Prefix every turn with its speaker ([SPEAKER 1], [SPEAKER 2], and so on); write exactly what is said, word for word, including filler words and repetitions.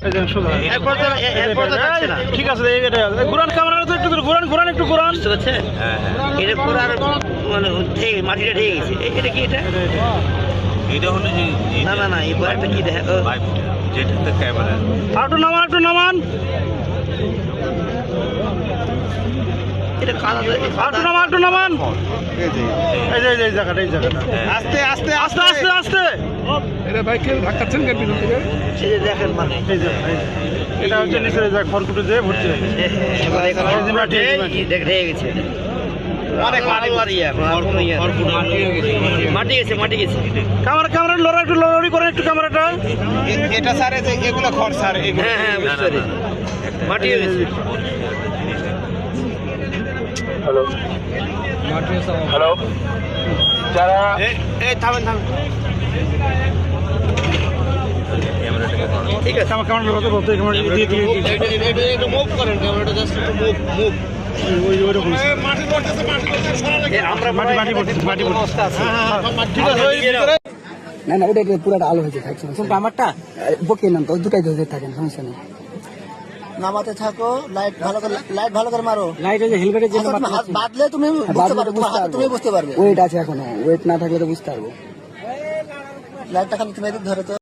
[SPEAKER 1] ঠিক আছে ঘুরান ক্যামেরা তো একটু ঘুরান ঘুরান একটু ঘুরান
[SPEAKER 2] বুঝতে পারছেন এটা পুরো আর মানে মাটিটা ঢেকে গেছে এটা কি এটা
[SPEAKER 3] এটা হলো যে
[SPEAKER 2] না না না এই একটা কি দেখা
[SPEAKER 3] যেটা ক্যামেরা
[SPEAKER 1] একটু নামান একটু নামান
[SPEAKER 2] এটা কাদা
[SPEAKER 1] একটু নামান একটু নামান এই যে এই জায়গাটা এই জায়গাটা
[SPEAKER 4] আস্তে আস্তে
[SPEAKER 1] আস্তে আস্তে আস্তে
[SPEAKER 4] এটা বাইক ধাক্কাচ্ছেন কেন পিছন থেকে
[SPEAKER 2] এই যে দেখেন মানে
[SPEAKER 1] এই যে এটা হচ্ছে নিচে যায় খড়কুটো যেয়ে ভর্তি হয়ে গেছে
[SPEAKER 2] এবার এখানে মাটি ঢেকে গেছে অনেক মাটি মাটি গেছে মাটি গেছে
[SPEAKER 1] ক্যামেরা ক্যামেরা লড়া একটু লড়াড়ি করেন একটু ক্যামেরাটা
[SPEAKER 4] এটা স্যার এগুলো খড় স্যার
[SPEAKER 2] হ্যাঁ হ্যাঁ বুঝতে পারি মাটি হয়ে গেছে
[SPEAKER 1] হ্যালো হ্যালো যারা
[SPEAKER 4] এই থামেন থামেন
[SPEAKER 2] ঠিক আছে
[SPEAKER 1] আমার ক্যামেরা বলতে বলতে ক্যামেরা দিয়ে দিয়ে
[SPEAKER 2] একটু মুভ করেন ক্যামেরাটা জাস্ট একটু মুভ মুভ
[SPEAKER 1] ওই ওই রকম
[SPEAKER 4] মাটি পড়তেছে মাটি পড়তেছে
[SPEAKER 2] আমরা
[SPEAKER 1] মাটি মাটি পড়ছে মাটি পড়ছে
[SPEAKER 4] ঠিক আছে ওই ভিতরে
[SPEAKER 5] না না ওটা পুরোটা আলো হয়েছে থাকছে কোনটা আমারটা বকে নাম তো দুটাই ধরে থাকেন সমস্যা নেই
[SPEAKER 6] নামাতে থাকো লাইট ভালো করে লাইট ভালো করে মারো
[SPEAKER 5] লাইট ওই যে হেলমেটের জন্য
[SPEAKER 6] আচ্ছা, তুমি হাত বাঁধলে তুমি বুঝতে পারবে তোমার হাতে তুমি বুঝতে পারবে
[SPEAKER 5] ওয়েট আছে এখনো ওয়েট না থাকলে তো বুঝতে পারবো
[SPEAKER 6] লাইটটা খালি তুমি এদিক ধরে তো